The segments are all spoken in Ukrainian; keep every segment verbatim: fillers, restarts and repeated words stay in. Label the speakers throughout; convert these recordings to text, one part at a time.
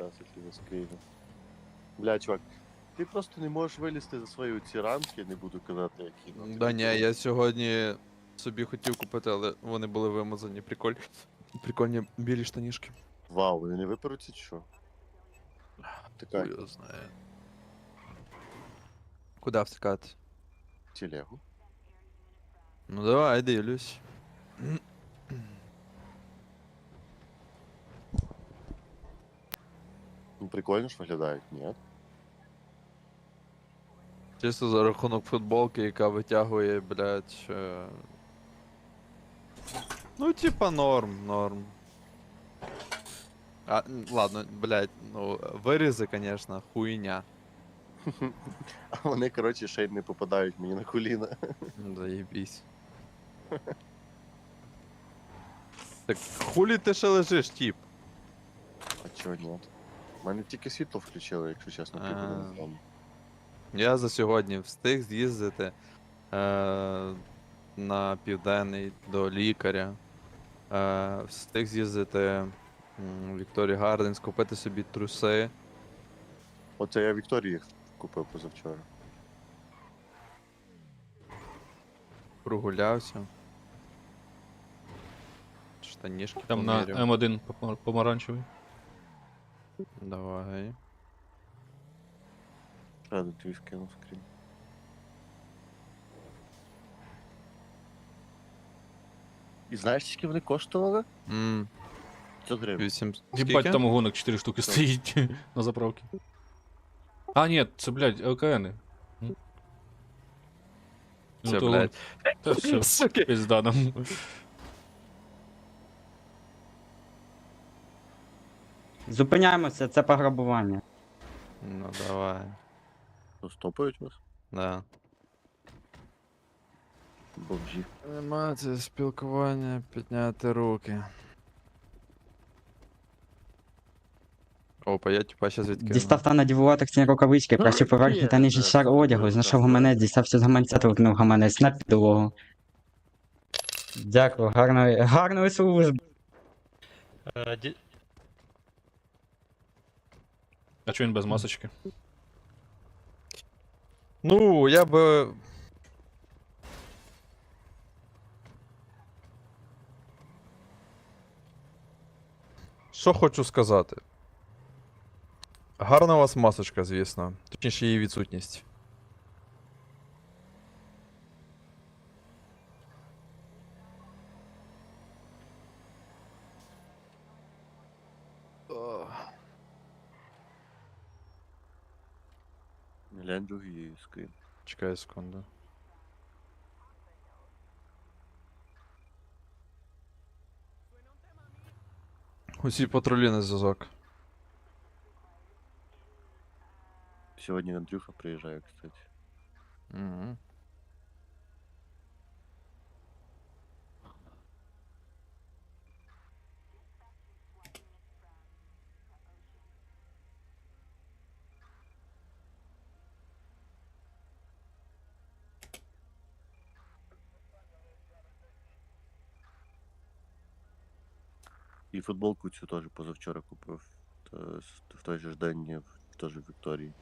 Speaker 1: зараз, якщо не скрину. Бля, чувак, ти просто не можеш вилізти за свої ці рамки, не буду казати, які. ну,
Speaker 2: Да
Speaker 1: тобі
Speaker 2: ні,
Speaker 1: то-
Speaker 2: я сьогодні собі хотів купити, але вони були вимазані. Приколь. Прикольні білі штанішки.
Speaker 1: Вау, вони не виперуться чи що? Така
Speaker 2: Хуй його знає. Куда втикати?
Speaker 1: телегу.
Speaker 2: Ну давай, дивлюсь.
Speaker 1: Ну, прикольно ж виглядають, ні?
Speaker 2: Чисто за рахунок футболки, яка витягує, блядь. Е... Ну, типа норм, норм. А, м, ладно, блядь, ну, вирізи, конечно, хуйня.
Speaker 1: А вони, коротше, ще й не попадають мені на коліна.
Speaker 2: Ну, заєбісь. Так хулі ти ще лежиш, тип?
Speaker 1: А чого ні? У мене тільки світло включили, якщо чесно,
Speaker 2: А.
Speaker 1: півгодини тому.
Speaker 2: Я за сьогодні встиг з'їздити е, на південний до лікаря. Е, встиг з'їздити м, в Вікторі Гарденс, купити собі труси.
Speaker 1: Оце я Вікторії їх купив позавчора.
Speaker 2: Прогулявся. Штанішки
Speaker 3: Там на
Speaker 2: поміряв.
Speaker 3: М один помар- помаранчевий.
Speaker 2: Давай.
Speaker 1: Ще один твій скинув скрін. І знаєш, скільки вони коштували?
Speaker 2: М,
Speaker 1: п'ятсот гривень.
Speaker 2: вісім.
Speaker 3: Єбать,
Speaker 2: Скільки?
Speaker 3: там гонок чотири штуки стоїть на заправці. А, ні, це, блядь, ЛКНи. М.
Speaker 2: Це,
Speaker 3: Ну, то
Speaker 2: блядь.
Speaker 3: Та все,
Speaker 2: Суки.
Speaker 3: пизда нам.
Speaker 4: Зупиняємося, це пограбування.
Speaker 2: Ну давай.
Speaker 1: То стопають вас?
Speaker 2: Да.
Speaker 1: Бомжі.
Speaker 2: Анімація, спілкування, підняти руки. Опа, я типа щас відкину.
Speaker 4: Дістав та надіву латексні рукавички, краще поверхні та нижній шар одягу, знайшов гаманець, дістався з гаманця та викинув гаманець на підлогу. Дякую, гарної, гарної служби.
Speaker 5: Е, ді-
Speaker 3: А чого він без масочки?
Speaker 2: Ну, я би. Що хочу сказати? Гарна у вас масочка, звісно. Точніше, її відсутність.
Speaker 1: Глянь другий скрін.
Speaker 2: Чекай секунду. Усі патрулі на зв'язок.
Speaker 1: Сьогодні Андрюха приїжджає, кстати.
Speaker 2: Угу.
Speaker 1: І футболку цю теж позавчора купив. Та с- в той же ж день я в- теж в Вікторії.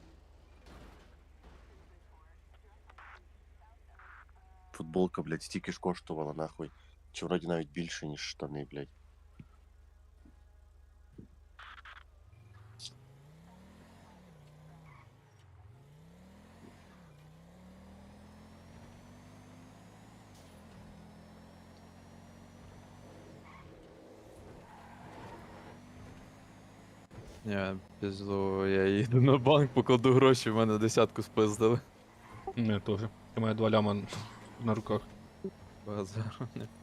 Speaker 1: Футболка, блядь, стільки ж коштувала, нахуй. Чи вроді навіть більше, ніж штани, блядь.
Speaker 2: Я пізду, я їду на банк, покладу гроші, в мене десятку спиздили.
Speaker 3: Не, теж. У мене два ляма на руках.
Speaker 2: Базар.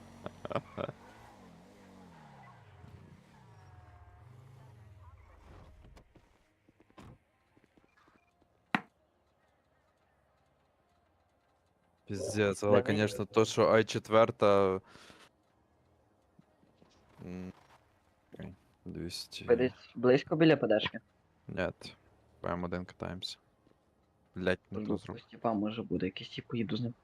Speaker 2: Пиздец, але, конечно, то, що ай четыре... м, окей, двісті...
Speaker 6: Ви десь близько біля подашки?
Speaker 2: Нет. По М один катаємося. Блять, не то зроб.
Speaker 6: Степа може буде, якийсь тип поїду з ним.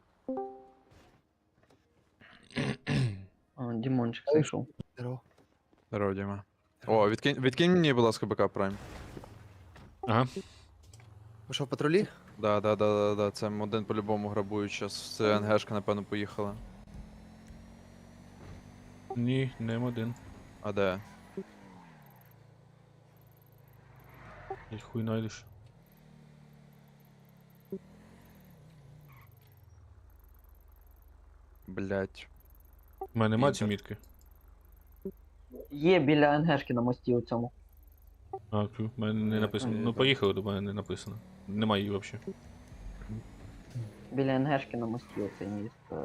Speaker 6: А, Дімончик зайшов.
Speaker 2: Здорово, Діма. О, відкинь, відкинь мені, будь ласка, БК Прайм.
Speaker 3: Ага.
Speaker 7: Ви що, в патрулі?
Speaker 2: Да, да, да, да, да, це М один по-любому грабують щас. Це НГшка, напевно, поїхала.
Speaker 3: Ні, не М один.
Speaker 2: А де?
Speaker 3: Як хуй найдеш.
Speaker 2: Блять.
Speaker 3: У мене нема
Speaker 2: Інтер.
Speaker 3: ці мітки.
Speaker 6: Є біля НГшки на мості у цьому.
Speaker 3: А, тю, в мене не
Speaker 2: Ні,
Speaker 3: написано.
Speaker 2: ні,
Speaker 3: Ну
Speaker 2: да.
Speaker 3: поїхали, до мене не написано. Нема її взагалі.
Speaker 6: Біля НГшки на мості оцей міст. е,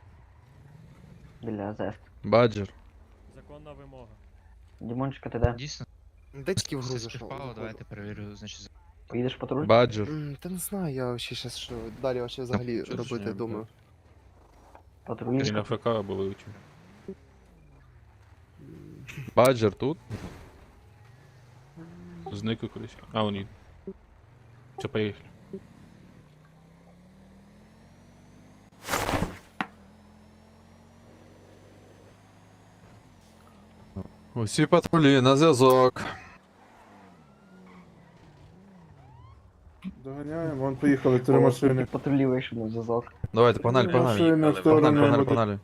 Speaker 6: Біля ЗЕС.
Speaker 2: Баджер.
Speaker 5: Законна вимога.
Speaker 6: Дімончика, ти де?
Speaker 8: Дійсно,
Speaker 7: Де тільки в
Speaker 8: все
Speaker 7: гру зайшов?
Speaker 8: співпало, давайте перевірю, значить, за-
Speaker 6: Поїдеш в патруль?
Speaker 2: Баджер.
Speaker 7: М, Та не знаю, я ще щас що далі вообще взагалі
Speaker 2: чого ж
Speaker 7: робити
Speaker 2: ні,
Speaker 7: думаю.
Speaker 3: Ти
Speaker 6: Патруль.
Speaker 3: на ФК або вилетів.
Speaker 2: Баджер тут?
Speaker 3: Зник кудись. А, вони. Все, поїхали.
Speaker 2: Усі патрулі на зв'язок.
Speaker 9: Доганяємо, вон поїхали три
Speaker 6: О,
Speaker 9: машини.
Speaker 6: тільки Патрулі вийшов на зв'язок.
Speaker 2: Давайте, погнали, погнали.
Speaker 9: Машини в
Speaker 2: Погнали,
Speaker 9: сторону
Speaker 2: погнали,
Speaker 9: М один.
Speaker 2: погнали.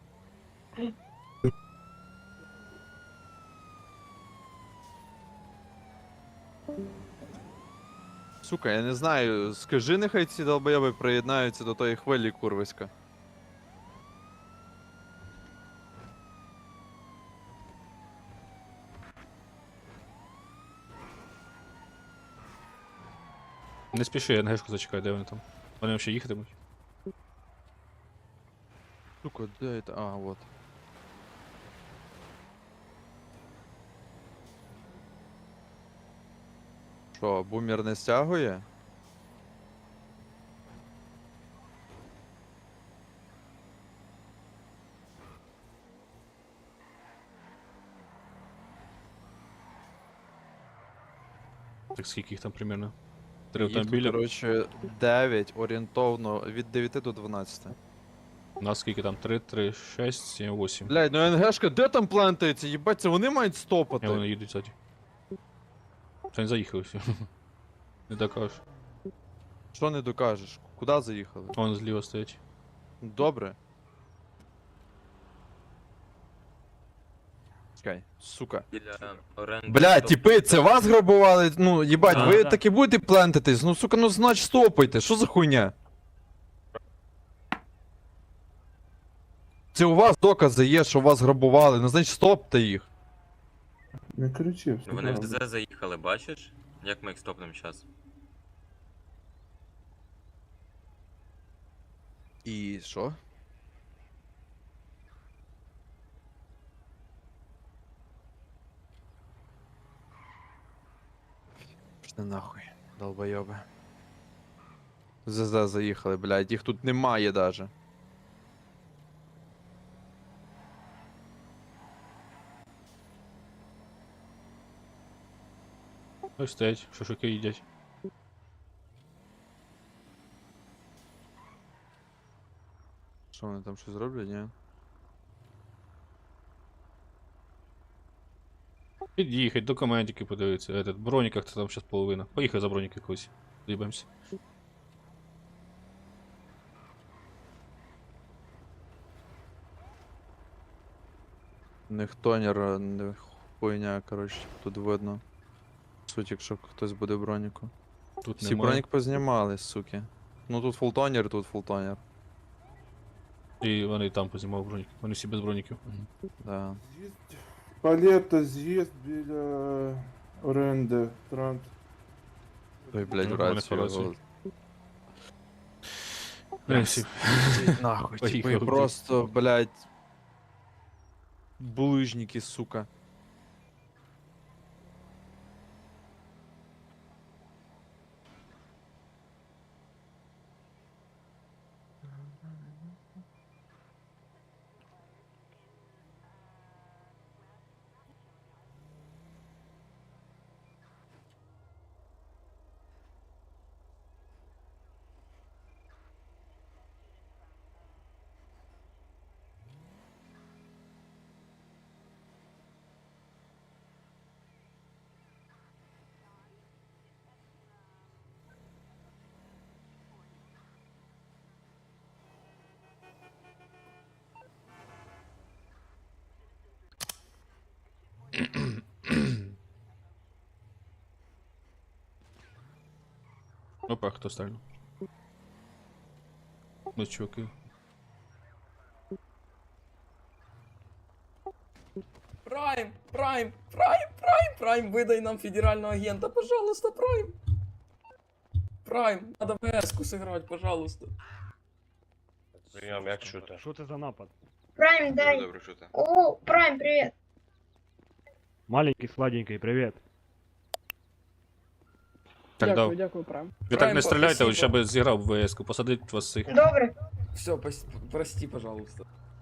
Speaker 2: Сука, я не знаю, скажи, нехай ці долбойоби приєднаються до тої хвилі курвиська.
Speaker 3: Не спіши, НГшку зачекай, де вони там. Вони взагалі їхатимуть.
Speaker 2: Сука, де це? А, вот. Що, бумер не стягує?
Speaker 3: Так скільки їх там примерно? Три
Speaker 2: Їх тут,
Speaker 3: автомобіля.
Speaker 2: коротше, дев'ять орієнтовно від дев'яти до дванадцяти.
Speaker 3: У нас скільки там? три, три, шість, сім, вісім.
Speaker 2: Блядь, ну НГшка де там плентається? Їбать, це вони мають
Speaker 3: І
Speaker 2: стопати.
Speaker 3: вони їдуть ззаді. Це не заїхали всі. Не докажеш.
Speaker 2: Що не докажеш? Куди заїхали?
Speaker 3: Вон зліва стоять.
Speaker 2: Добре. Чекай, сука.
Speaker 10: Біля оренди.
Speaker 2: Бля, тіпи, це вас грабували? Ну, їбать,
Speaker 5: Да,
Speaker 2: ви
Speaker 5: да.
Speaker 2: таки будете плентатись? Ну, сука, ну значить стопайте, що за хуйня? Це у вас докази є, що вас грабували, ну значить стопте їх.
Speaker 9: Не кричи, все
Speaker 10: Вони в
Speaker 9: правда.
Speaker 10: ДЗ заїхали, бачиш? Як ми їх стопнемо зараз?
Speaker 2: І що? Пішли нахуй, долбойоби. ЗЗ заїхали, блядь, їх тут немає даже.
Speaker 3: Ось стоять, шашлики їдять.
Speaker 2: Що вони там щось зроблять, ні?
Speaker 3: Під'їхать, документики подивитися. Этот, броніках це там зараз половина. Поїхай за броніки якось. З'їбемося.
Speaker 2: Не хтонер, а не хуйня, коротше, тут видно. Суть, якщо хтось буде в броніку.
Speaker 3: Тут
Speaker 2: Всі
Speaker 3: немає.
Speaker 2: бронік познімали, суки. Ну тут фултонер, тут фултонер.
Speaker 3: І вони там познімали броніки. Вони всі без броніків.
Speaker 2: Да.
Speaker 9: З'їзд. Палета, з'їзд біля оренди, трант.
Speaker 2: Ой, блядь,
Speaker 3: Ну,
Speaker 2: в
Speaker 3: вони
Speaker 2: рацію.
Speaker 3: по рації.
Speaker 2: його.
Speaker 3: Вони всі.
Speaker 2: Ідіть Нахуй, типу,
Speaker 3: Поїхали.
Speaker 2: просто, блядь. Булыжники, сука.
Speaker 3: Опа, хто стрельнув? Ну, чуваки.
Speaker 11: Прайм, Прайм, Прайм, Прайм, Прайм, выдай нам федерального агента, пожалуйста, Прайм. Прайм, надо в эску сыграть, пожалуйста.
Speaker 10: Прийом, як чути?
Speaker 12: Що це за напад?
Speaker 11: Прайм,
Speaker 10: Дуже добре чути.
Speaker 11: О, Прайм, привет.
Speaker 12: Маленький, сладенький, привіт.
Speaker 3: Так, дав.
Speaker 11: дякую, Прайм.
Speaker 3: Ви так
Speaker 11: Прайм,
Speaker 3: не стріляйте,
Speaker 11: спасибо.
Speaker 3: ось ще би зіграв в ВС-ку, посадить вас всіх.
Speaker 11: Добре. Все, прости, пожалуйста.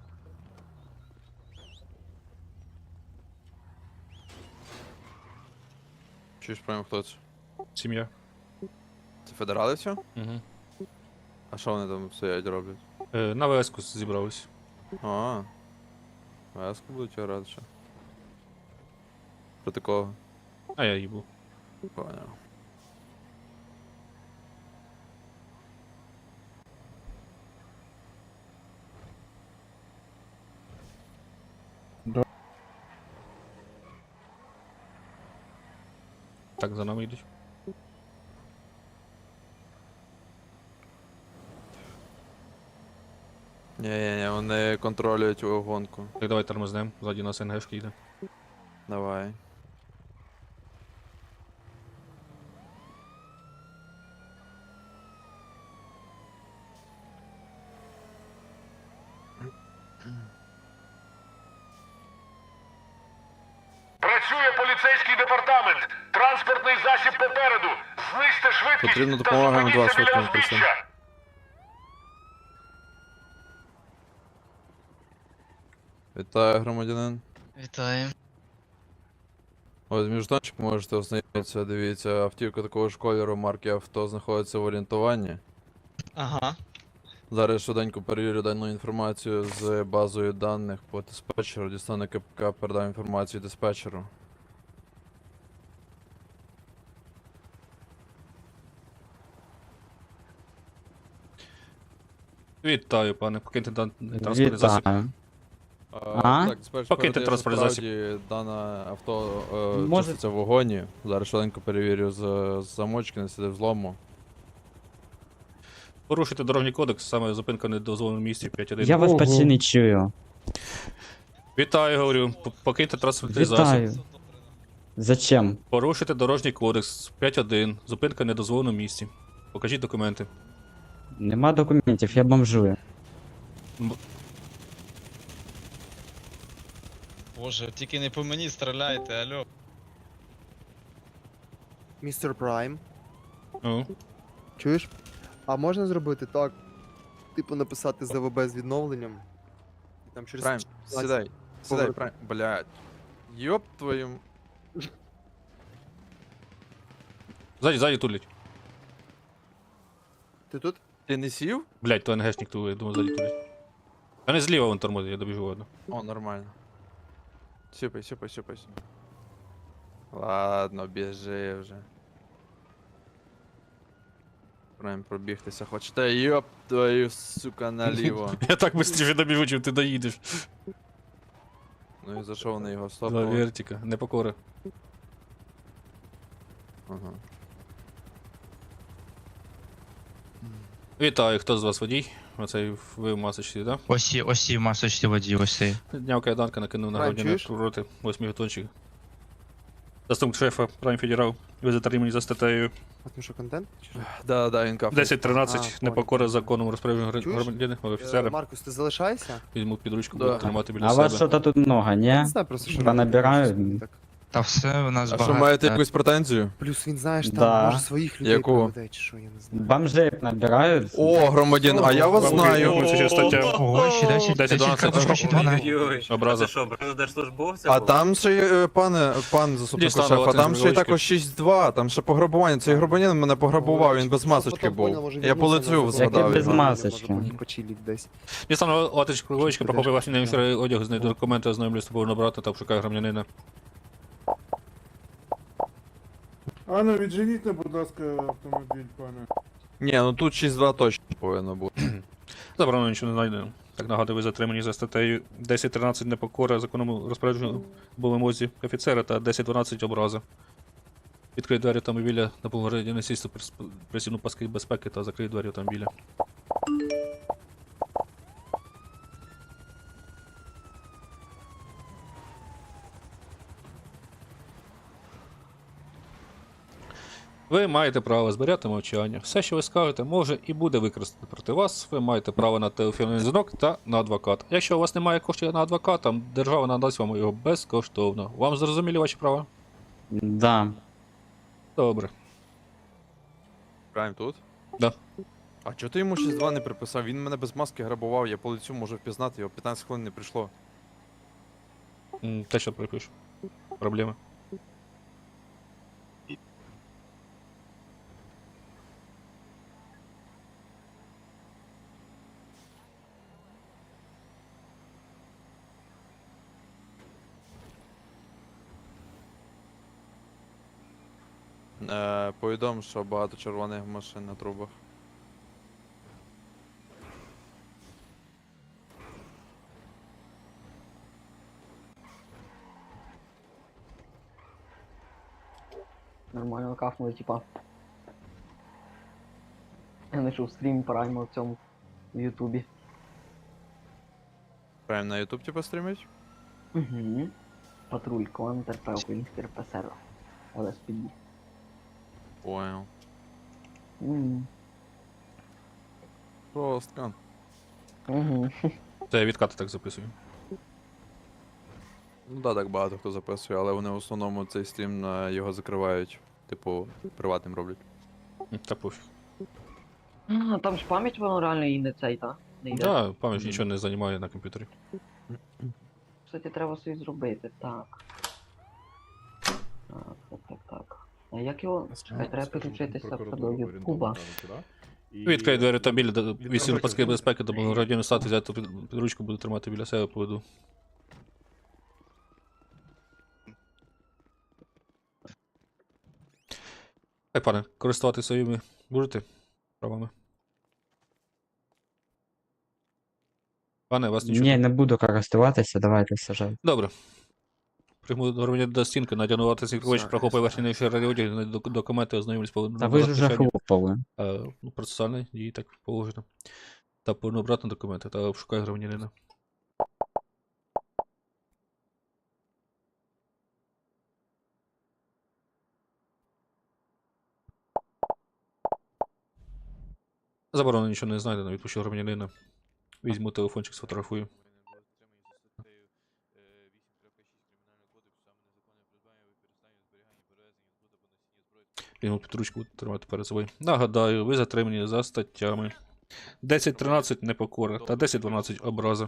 Speaker 2: Чуєш, прямо хто це?
Speaker 3: Сім'я.
Speaker 2: Це федерали все?
Speaker 3: Угу.
Speaker 2: А що вони там стоять роблять?
Speaker 3: Е, на ВС-ку зібрались.
Speaker 2: А, веску будуть грати ще. Проти кого?
Speaker 3: А я їбу.
Speaker 2: Поняв.
Speaker 3: Так, за нами йдуть.
Speaker 2: Ні-ні-ні, вони контролюють гонку.
Speaker 3: Так, давай тормознем, ззаді нас НГшки йде.
Speaker 2: Давай.
Speaker 12: Працює поліцейський департамент. Транспортний засіб попереду. Знизьте швидкість
Speaker 2: Потрібна
Speaker 12: та
Speaker 2: допомога М два
Speaker 12: зупиніться біля
Speaker 2: швидкому прийти.
Speaker 12: узбіччя.
Speaker 2: Вітаю, громадянин.
Speaker 8: Вітаю.
Speaker 2: Ось міжтончик можете ознайомитися, дивіться, автівка такого ж кольору марки авто знаходиться в орієнтуванні.
Speaker 8: Ага.
Speaker 2: Зараз швиденько перевірю дану інформацію з базою даних по диспетчеру, дістану КПК, передам інформацію диспетчеру.
Speaker 3: Вітаю, пане. Покиньте дан- транспортний засіб.
Speaker 4: Вітаю.
Speaker 2: А?
Speaker 4: А?
Speaker 2: Так, диспетчер
Speaker 3: Покиньте
Speaker 2: передає, що
Speaker 3: транспортний
Speaker 2: справді дане авто е,
Speaker 4: Може-
Speaker 2: чиститься в вагоні. Зараз швиденько перевірю з, з замочки, не сиде взлому.
Speaker 3: Порушуйте дорожній кодекс, саме зупинка в недозволеному місці п'ять один.
Speaker 4: Я вас почти не чую.
Speaker 3: Вітаю, говорю. П- Покиньте транспортний засіб.
Speaker 4: Вітаю. Зачем?
Speaker 3: Порушуйте дорожній кодекс п'ять один. Зупинка в недозволеному місці. Покажіть документи.
Speaker 4: Нема документів, я бомжую.
Speaker 8: Боже, тільки не по мені стріляйте, алло.
Speaker 7: Містер Прайм,
Speaker 3: Ну,
Speaker 7: чуєш? А можна зробити так? Типу написати ЗВБ з відновленням? І там через
Speaker 2: Прайм, сідай, сідай,
Speaker 7: Поверху.
Speaker 2: Прайм, блядь. Йоп твою...
Speaker 3: ззаді, ззаді тулять.
Speaker 7: Ти тут?
Speaker 2: Ти не сів?
Speaker 3: Блять, то НГшник тулить, думаю, ззаді тулять. А не зліва вон тормозить, я добіжу одну.
Speaker 2: О, нормально. Сіпай, сіпай, сіпай. сіпай. Ладно, біжи вже. Прайм пробігтися хочете, йоп твою, сука, наліво.
Speaker 3: Я так быстріше добіжу, чим ти доїдеш.
Speaker 2: Ну і зайшов на його
Speaker 3: За
Speaker 2: стоп.
Speaker 3: вертика, не покора.
Speaker 2: Ага.
Speaker 3: Вітаю, хто з вас водій? Оцей ви в масочці, да?
Speaker 8: Ось, є- ось і в масочці водій, ось цей.
Speaker 3: Дняв кайданка накинув на
Speaker 7: Прайм,
Speaker 3: грудні
Speaker 7: чуєш?
Speaker 3: проти восьми гатончик. Заступник шефа Прайм Федерал. Ви затримані за статтею
Speaker 7: А тому що контент? Чи що?
Speaker 2: Да, да, він кафе.
Speaker 3: десять тринадцять,
Speaker 7: А,
Speaker 3: непокора
Speaker 7: понял.
Speaker 3: законом розпорядження
Speaker 7: Чуєш?
Speaker 3: громадянина,
Speaker 7: Е,
Speaker 3: офіцера.
Speaker 7: Маркус, ти залишайся?
Speaker 3: Візьму під ручку,
Speaker 2: Да.
Speaker 3: буду тримати біля
Speaker 4: А вас
Speaker 3: себе.
Speaker 4: що-то тут много,
Speaker 7: Я не
Speaker 4: не?
Speaker 7: знаю просто, що
Speaker 4: Та
Speaker 7: робити,
Speaker 4: набирають.
Speaker 7: щось так.
Speaker 8: Та все, у нас
Speaker 2: А
Speaker 8: багато.
Speaker 2: що, маєте якусь претензію?
Speaker 7: Плюс він, знаєш, там
Speaker 4: Да.
Speaker 7: може своїх людей
Speaker 2: Яку?
Speaker 7: проведе, чи що, я не знаю.
Speaker 4: Бомжей набирають.
Speaker 2: О, громадян, а я вас
Speaker 3: Вам
Speaker 2: знаю.
Speaker 3: відомо, це ще стаття.
Speaker 8: Ого, ще десять,
Speaker 3: десять,
Speaker 8: десять,
Speaker 3: дванадцять.
Speaker 8: десять, дванадцять.
Speaker 10: Ой-ой-ой,
Speaker 3: Образа.
Speaker 10: а це що, образа держслужбовця
Speaker 2: А
Speaker 10: був?
Speaker 2: там ще, є, е, пане, пан заступник
Speaker 3: Дістану
Speaker 2: шефа,
Speaker 3: вас
Speaker 2: там
Speaker 3: із
Speaker 2: ще й
Speaker 3: ручки.
Speaker 2: також шість два, там ще пограбування. Цей громадянин мене пограбував, він без
Speaker 7: Щоб
Speaker 2: масочки
Speaker 7: потім поняв,
Speaker 2: був.
Speaker 7: може,
Speaker 2: Я по
Speaker 7: відносини
Speaker 2: лицю
Speaker 7: на
Speaker 2: згадав.
Speaker 4: Який без
Speaker 2: його.
Speaker 4: масочки?
Speaker 7: Може, потім почиліть десь.
Speaker 3: Дістану Латич Круговичка,
Speaker 7: Куди
Speaker 3: прохопив
Speaker 7: ж?
Speaker 3: ваші неофіцери одяг, знайду документи, ознайомлю з тобою набрати та обшукаю громадянина.
Speaker 9: А ну відженіть, будь ласка, автомобіль, пане.
Speaker 2: Ні, ну тут шість два точно повинно бути.
Speaker 3: Забрано, нічого не знайдено. Так нагадую, ви затримані за статтею десять тринадцять непокора законному розпорядженню по вимозі офіцера та десять дванадцять образа. Відкрий двері автомобіля на повнорядні сісти присівну паски безпеки та закрий двері автомобіля. Ви маєте право зберігати мовчання. Все, що ви скажете, може і буде використано проти вас. Ви маєте право на телефонний дзвінок та на адвоката. Якщо у вас немає коштів на адвоката, держава надасть вам його безкоштовно. Вам зрозуміли ваші права?
Speaker 4: Да.
Speaker 3: Добре.
Speaker 2: Прайм тут?
Speaker 3: Да.
Speaker 2: А чого ти йому шість два не приписав? Він мене без маски грабував, я по лицю можу впізнати, його п'ятнадцять хвилин не прийшло.
Speaker 3: М, Те, що припишу. Проблеми.
Speaker 2: Е, повідом, що багато червоних машин на трубах.
Speaker 6: Нормально кафнули, типа. Я знайшов стрім Прайма в цьому в Ютубі.
Speaker 2: Прайм на YouTube типа стрімить?
Speaker 6: Угу. Патруль Контр, Український РПСР. ел ес пі ді.
Speaker 2: Понял.
Speaker 6: Мгм.
Speaker 2: Жорстко.
Speaker 6: Угу.
Speaker 3: Це я відкати так записую.
Speaker 2: Ну да, так багато хто записує, але вони в основному цей стрім е, його закривають. Типу, приватним роблять.
Speaker 3: М, Та пофіг.
Speaker 6: А, там ж пам'ять воно реально і не цей, та? Не йде.
Speaker 3: Да, пам'ять нічого не займає на комп'ютері.
Speaker 6: Кстати, треба собі зробити, так. Так, так, так, так. А як його. Чекай, треба підключитися до Ютуба.
Speaker 3: Відкрий двері автомобіля, до- вісім паски безпеки, до радіону стати, взяти під під ручку, буду тримати біля себе, поведу. Так, пане, користуватися своїми будете правами? Пане, вас нічого.
Speaker 4: Ні, не буду користуватися, давайте сажайте.
Speaker 3: Добре. Прийму громадян до стінки, надягнувати снігович,
Speaker 2: Все,
Speaker 3: прохопай
Speaker 2: все.
Speaker 3: ваші найші радіодії, документи, ознайомлюсь по
Speaker 4: Та ви ж уже хлопали.
Speaker 3: Е, ну, процесуальні дії так положено. Та поверну обратно документи та обшукай громадянина. Заборонено нічого не знайдено, відпущу громадянина. Візьму телефончик, сфотографую. Візьму під ручку, буду тримати перед собою. Нагадаю, ви затримані за статтями десять тринадцять непокора та десять дванадцять образа.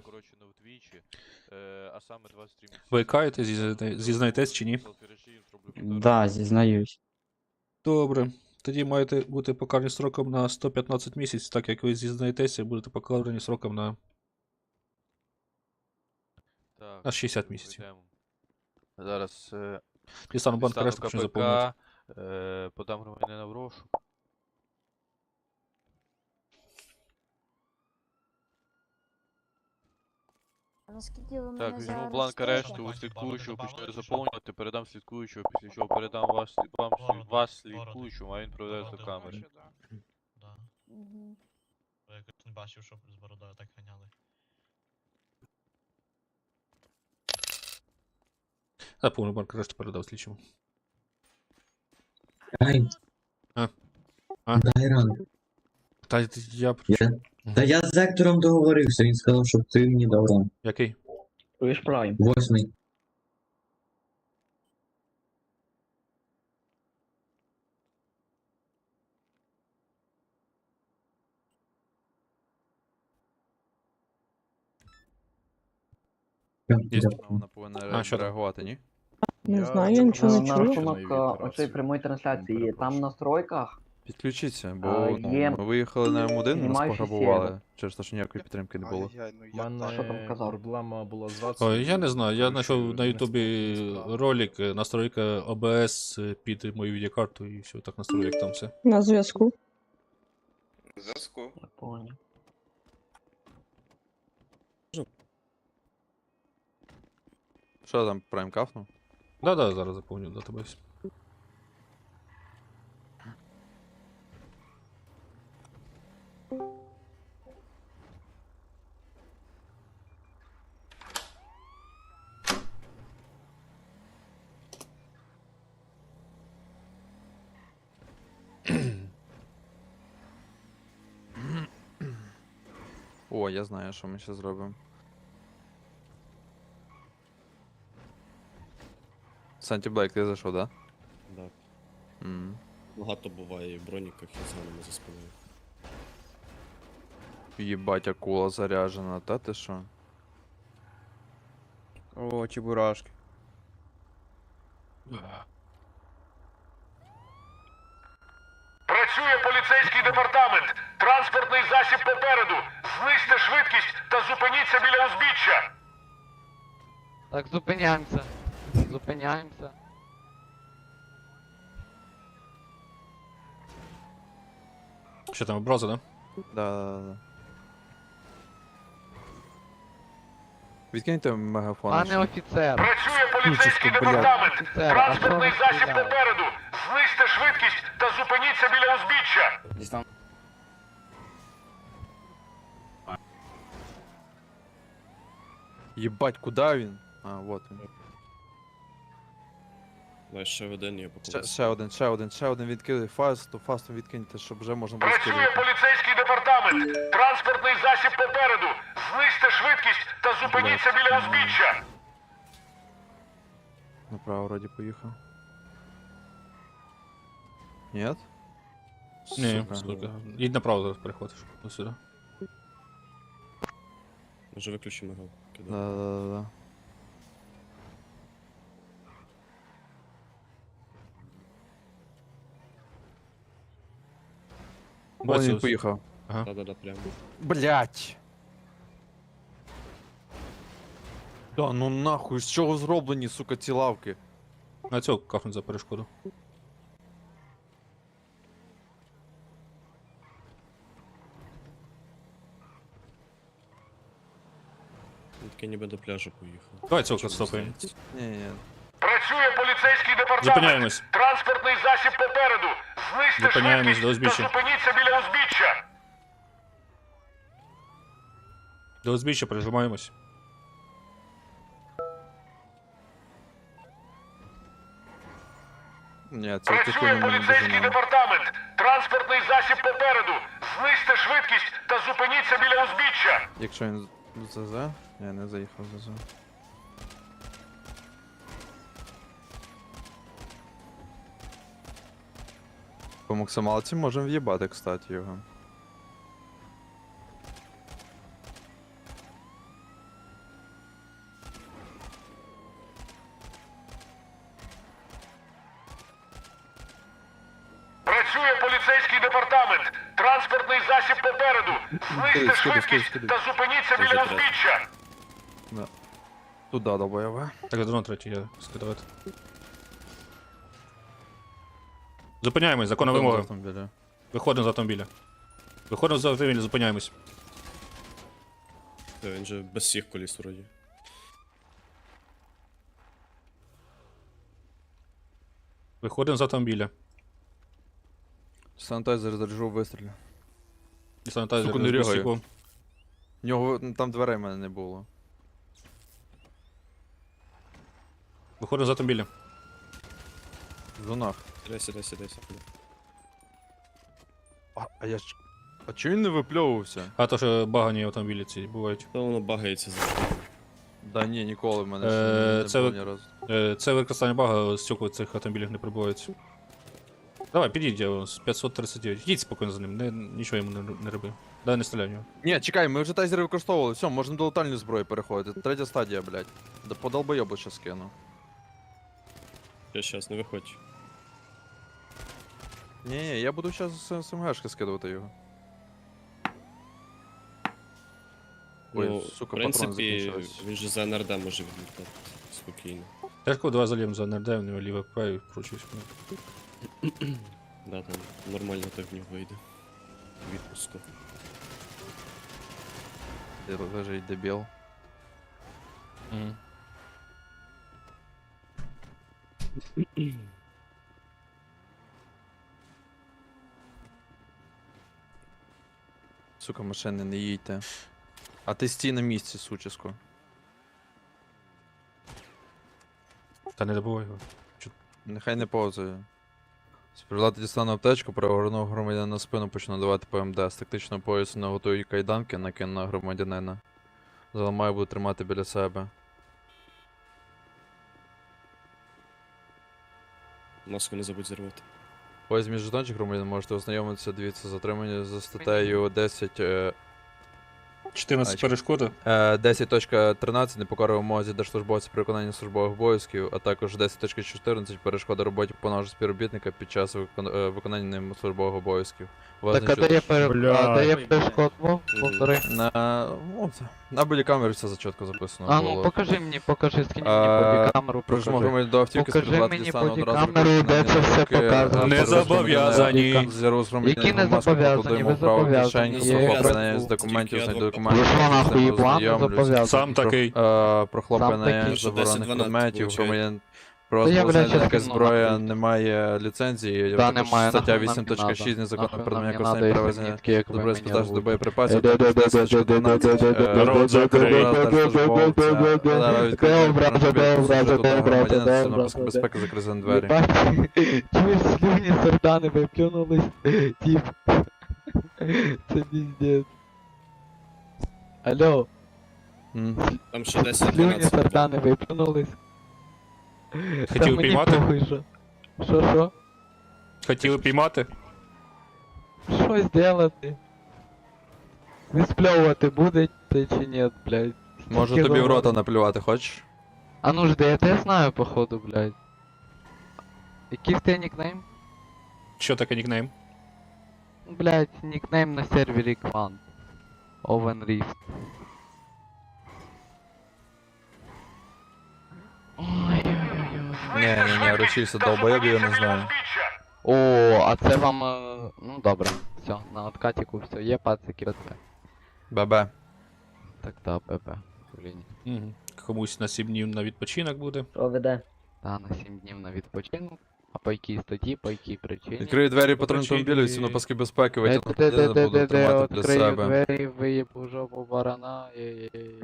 Speaker 3: Ви каєте, зізнаєте- зізнаєтесь чи ні?
Speaker 4: Да, зізнаюсь.
Speaker 3: Добре. Тоді маєте бути покарані сроком на сто п'ятнадцять місяців, так як ви зізнаєтеся, будете покарані сроком на, на шістдесят місяців.
Speaker 2: Зараз е,
Speaker 3: Дістану банк арешту, почну заповнювати.
Speaker 2: е, подам громадянина в розшук.
Speaker 13: Наскільки ви мене
Speaker 2: Так, візьму
Speaker 13: зараз
Speaker 2: бланк
Speaker 13: слухаєте?
Speaker 2: арешту, у слідкуючого почну заповнювати, передам слідкуючого, після чого передам вас, вам, слід- вас слідкуючому, а він проведе до камери.
Speaker 13: Мгм.
Speaker 5: Я якось не бачив, щоб з бородою так ганяли.
Speaker 3: Заповню банк арешту, передав слідчому.
Speaker 14: Ай,
Speaker 3: А? А?
Speaker 14: дай рану.
Speaker 3: Та й- я...
Speaker 14: Я... Та я з Ектором договорився, він сказав, щоб ти мені дав рану.
Speaker 3: Який?
Speaker 6: Чуєш Прайм?
Speaker 14: Восьмий.
Speaker 3: Є.
Speaker 2: Вона повинна
Speaker 3: А, що там?
Speaker 2: реагувати, ні?
Speaker 13: Не знаю, я нічого не
Speaker 6: На
Speaker 13: чую.
Speaker 6: рахунок а, оцеї прямої трансляції, там в настройках
Speaker 2: Підключіться, бо
Speaker 6: А,
Speaker 2: ну,
Speaker 6: є
Speaker 2: ми виїхали на М один, нас
Speaker 6: знімаючий
Speaker 2: пограбували,
Speaker 6: сервер.
Speaker 2: через те, що ніякої підтримки не було.
Speaker 6: Що там казав?
Speaker 9: Проблема була з
Speaker 3: Ой, я не знаю, я знайшов на ютубі ролик, е, настройка О Б С е, під мою відеокарту і все, так настрою, як там все.
Speaker 13: На зв'язку.
Speaker 6: Я понял.
Speaker 2: Що там, прайм кафнув?
Speaker 3: Да-да, зараз заповню датабейс.
Speaker 2: О, я знаю, що ми ще зробимо. Санті Блейк, ти зайшов, да?
Speaker 10: Так.
Speaker 2: Мгм.
Speaker 10: Багато буває і в броніках, і з ганами за спиною.
Speaker 2: Єбать, акула заряжена, та ти що?
Speaker 7: О, чебурашки.
Speaker 12: Працює поліцейський департамент. Транспортний засіб попереду. Знизьте швидкість та зупиніться біля узбіччя.
Speaker 11: Так, зупиняємося. Зупиняємося.
Speaker 3: Що там, образа, да?
Speaker 2: Да-да-да. Відкиньте мегафон.
Speaker 11: Пане офіцер.
Speaker 12: Працює поліцейський
Speaker 2: Ключиську, блядь.
Speaker 12: департамент.
Speaker 11: Офіцер, а
Speaker 12: Транспортний
Speaker 11: що ви
Speaker 12: засіб
Speaker 11: стріляєте?
Speaker 12: попереду. Знизьте швидкість та зупиніться біля узбіччя.
Speaker 2: Єбать, куди він? А, вот він.
Speaker 10: Давай ще один, я
Speaker 2: Ще,
Speaker 10: покажу.
Speaker 2: ще один, ще один, ще один відкидай. Фасту, фасту відкиньте, щоб вже можна було
Speaker 12: Працює
Speaker 2: скидати.
Speaker 12: поліцейський департамент. Транспортний засіб попереду. Знизьте швидкість та зупиніться
Speaker 2: Блядь.
Speaker 12: біля узбіччя.
Speaker 2: Направо вроді поїхав. Нет?
Speaker 3: Ні,
Speaker 2: Сука.
Speaker 3: сука. Їдь направо зараз переходиш. Ось сюди.
Speaker 10: Може виключимо його. Кидай.
Speaker 2: Да-да-да. Вон
Speaker 3: Бачу,
Speaker 2: він
Speaker 3: ось.
Speaker 2: поїхав.
Speaker 3: Ага.
Speaker 10: Да-да-да, прямо.
Speaker 2: Блять. Да ну нахуй, з чого зроблені, сука, ці лавки?
Speaker 3: На цього кафнуть за перешкоду.
Speaker 10: Він такий ніби до пляжу поїхав.
Speaker 3: Давай цього
Speaker 10: Чому
Speaker 3: стопаємо.
Speaker 10: здається?
Speaker 2: Ні-ні.
Speaker 12: Працює поліцейський департамент.
Speaker 3: Зупиняємось.
Speaker 12: Транспортний засіб попереду. Знизьте
Speaker 3: Зупиняємось до
Speaker 12: швидкість та
Speaker 3: узбіччя.
Speaker 12: зупиніться біля узбіччя.
Speaker 3: До узбіччя прижимаємось.
Speaker 2: Ні, це
Speaker 12: Працює
Speaker 2: тихо ми не
Speaker 12: поліцейський
Speaker 2: доженемо.
Speaker 12: департамент. Транспортний засіб попереду. Знизьте швидкість та зупиніться біля узбіччя.
Speaker 2: Якщо він ЗЗ? Ні, не заїхав ЗЗ. По максималці можемо в'їбати, кстати, його.
Speaker 12: Працює поліцейський департамент. Транспортний засіб попереду. Знизьте
Speaker 2: Скидай, скидай,
Speaker 12: швидкість
Speaker 2: скидай.
Speaker 12: та зупиніться
Speaker 10: Дуже
Speaker 12: біля
Speaker 10: треба.
Speaker 12: узбіччя.
Speaker 2: Туда долбоєве.
Speaker 3: Так, дрон третій я скидувати. Зупиняємось, законна вимога.
Speaker 2: Автомобіля.
Speaker 3: Виходимо з автомобіля. Виходимо з автомобіля, зупиняємось.
Speaker 10: Та він же без всіх коліс вроді.
Speaker 3: Виходимо з автомобіля.
Speaker 2: Санітайзер заряджу вистрілю.
Speaker 3: І санітайзер
Speaker 2: Сука, не
Speaker 3: з
Speaker 2: ригає.
Speaker 3: безстіку.
Speaker 2: В нього ну, там дверей в мене не було.
Speaker 3: Виходимо з автомобіля.
Speaker 2: В зонах.
Speaker 10: Сідай, сідай, сідай, сідай.
Speaker 2: А, а я ж. А чого він не випльовувався?
Speaker 3: А то, що багані автомобілі ці бувають.
Speaker 10: Та воно багається завжди.
Speaker 2: Да ні, ніколи в мене
Speaker 3: Е,
Speaker 2: ще не
Speaker 3: це
Speaker 2: було
Speaker 3: ви-
Speaker 2: ні разу.
Speaker 3: Е, Це використання бага, стекла цих автомобілів не прибувають. Давай, підійдь, я з п'ятсот тридцять дев'ять. Їдь спокійно за ним, не, нічого йому не, не роби. Дай не стріляй в нього.
Speaker 2: Ні, чекай, ми вже тайзери використовували, все, можна до летальної зброї переходити. Третя стадія, блядь. Да по долбойобу ще скину.
Speaker 10: Я щас, не виходь.
Speaker 2: Ні, ні, я буду зараз з СМГшки скидувати його. Ой,
Speaker 10: Ну,
Speaker 2: сука,
Speaker 10: в
Speaker 2: патрони
Speaker 10: принципі,
Speaker 2: закінчились.
Speaker 10: він же за ен ер де може відлітати. Спокійно.
Speaker 3: Тяжко, давай зальємо за НРД, в нього ліве праві, вкручуюсь.
Speaker 10: Да, там нормально так в нього вийде. Відпуску.
Speaker 2: Де лежить дебіл.
Speaker 3: Мгм.
Speaker 2: Сука, машини, не їдьте. А ти стій на місці, суческо.
Speaker 3: Та не добувай його.
Speaker 2: Нехай не повзає. Співлати дістану аптечку, перегорнув громадянина на спину, почну давати ПМД. З тактичного поясу наготую кайданки, накину на громадянина. Заламаю, буду тримати біля себе.
Speaker 10: Маску не забудь зірвати.
Speaker 2: Ось між жетончик громадян можете ознайомитися, дивіться, затримання за статтею десять... е,
Speaker 3: чотирнадцять перешкоди.
Speaker 2: Е, десять точка тринадцять непокора вимозі держслужбовця при виконанні службових обов'язків, а також десять точка чотирнадцять перешкода роботі повного співробітника під час викон... е, виконання ним службових обов'язків.
Speaker 15: Так, а де є перешкод? Повтори.
Speaker 2: На, ну, це- на бодікамері все зачітко записано
Speaker 15: А ну
Speaker 2: було.
Speaker 15: покажи мені, покажи, скинь
Speaker 2: А,
Speaker 15: мені бодікамеру,
Speaker 2: Прожму
Speaker 15: покажи.
Speaker 2: громадян до автівки,
Speaker 15: Покажи
Speaker 2: співлати
Speaker 15: мені
Speaker 2: дістану одразу
Speaker 15: бодікамеру,
Speaker 2: руки,
Speaker 15: де це все
Speaker 2: руки,
Speaker 15: показано.
Speaker 3: Не
Speaker 2: е,
Speaker 3: зобов'язані.
Speaker 2: Зіру з
Speaker 15: Які не зобов'язані? Ви зобов'язані. Є.
Speaker 2: Прохлопання з документів, знайду документи.
Speaker 15: Ви що, нахуй, їблан, не зобов'язані?
Speaker 3: Сам такий.
Speaker 2: Е, Прохлопання
Speaker 15: такий.
Speaker 2: заборонених
Speaker 10: десять дванадцять
Speaker 2: предметів,
Speaker 10: получає.
Speaker 2: громадян.
Speaker 15: Та я,
Speaker 2: Просто
Speaker 15: блядь,
Speaker 2: знайдена
Speaker 15: щас
Speaker 2: якась
Speaker 15: кину,
Speaker 2: зброя
Speaker 15: нахуй.
Speaker 2: не має ліцензії,
Speaker 15: Да,
Speaker 2: також
Speaker 15: немає,
Speaker 2: стаття
Speaker 15: нахуй нам
Speaker 2: вісім точка
Speaker 15: не
Speaker 2: шість
Speaker 15: надо.
Speaker 2: незаконне
Speaker 15: Нахуй нам
Speaker 2: передання
Speaker 15: не
Speaker 2: користування
Speaker 15: надо,
Speaker 2: перевезення
Speaker 15: якщо нітки, як ви
Speaker 2: добре
Speaker 15: мені
Speaker 2: спитаж до
Speaker 15: робите.
Speaker 2: боєприпасів,
Speaker 15: Е,
Speaker 2: також десять точка дванадцять
Speaker 3: Народ закрий.
Speaker 2: безпеки закризані двері.
Speaker 15: Чуєш, слюні сардани виплюнулись, тип. Це піздець. Алло,
Speaker 2: М.
Speaker 10: Там ще десять
Speaker 15: слюні
Speaker 10: дванадцять.
Speaker 15: сардани виплюнулись. Та
Speaker 3: Хотів
Speaker 15: мені
Speaker 3: піймати?
Speaker 15: похуй, що. Що, що?
Speaker 3: Хотіли піймати?
Speaker 15: Що зробити? Виспльовувати будете чи ні, блядь?
Speaker 2: Можу
Speaker 15: Тільки
Speaker 2: тобі в рота
Speaker 15: говорю.
Speaker 2: наплювати, хочеш?
Speaker 15: А ну жди, я тебе знаю, походу, блядь. Який в тебе нікнейм?
Speaker 3: Що таке нікнейм?
Speaker 15: Блядь, нікнейм на сервері Квант. Oven Rift. Ой-ой-ой.
Speaker 2: Ні, ні, ні, ручився долбоєб, я не знаю.
Speaker 15: О, а це вам. е, Ну добре, все, на откатіку все, є пацики БТ.
Speaker 2: Бебе.
Speaker 15: Так, та, ББ. Блін.
Speaker 3: Угу. Комусь на сім днів на відпочинок буде.
Speaker 6: Що веде?
Speaker 15: Та, на сім днів на відпочинок. А по якій статті, по якій причині?
Speaker 2: Відкрию двері
Speaker 3: По
Speaker 2: патрульного
Speaker 3: причині-
Speaker 2: автомобіля, всі на паски безпеки,
Speaker 15: Е,
Speaker 2: витягну
Speaker 15: де, де,
Speaker 2: туди,
Speaker 15: де,
Speaker 2: буду
Speaker 15: де, де,
Speaker 2: тримати для
Speaker 15: відкрию
Speaker 2: себе.
Speaker 15: двері, виїбу жопу барана, ей-ей-ей.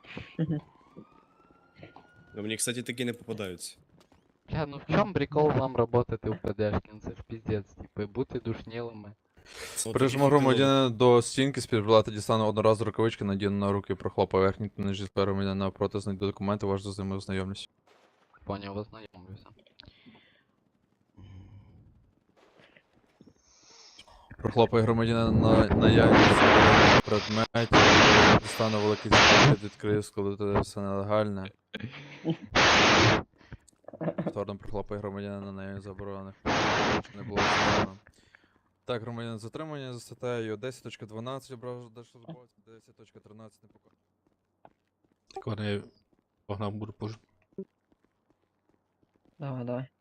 Speaker 10: Ну, мені, кстати, такі не попадаються.
Speaker 15: Бля, ну в чому прикол вам работати в ПДшки? Ну це ж піздець, типу, бути душнілими.
Speaker 10: Ну,
Speaker 2: Прижму
Speaker 10: такі
Speaker 2: громадянина до стінки, співбрати дістану одноразову рукавички, надіну на руки, прохлопаю верхній та нижній сфери громадянина навпроти, знайду документи, важко з ними ознайомлюсь.
Speaker 15: Поняв, ознайомлюся.
Speaker 2: Прохлопаю громадянина на наявність предметів, дістану великий запит, відкрию, складу все нелегальне. Повторно прохлопаю громадянина на наявність заборонених, щоб не було встановлено. Так, громадянин затримання за статтею десять точка дванадцять, ображу держслужбовця, десять точка тринадцять непокора.
Speaker 3: Так вони погнав буду позже.
Speaker 6: Давай, давай.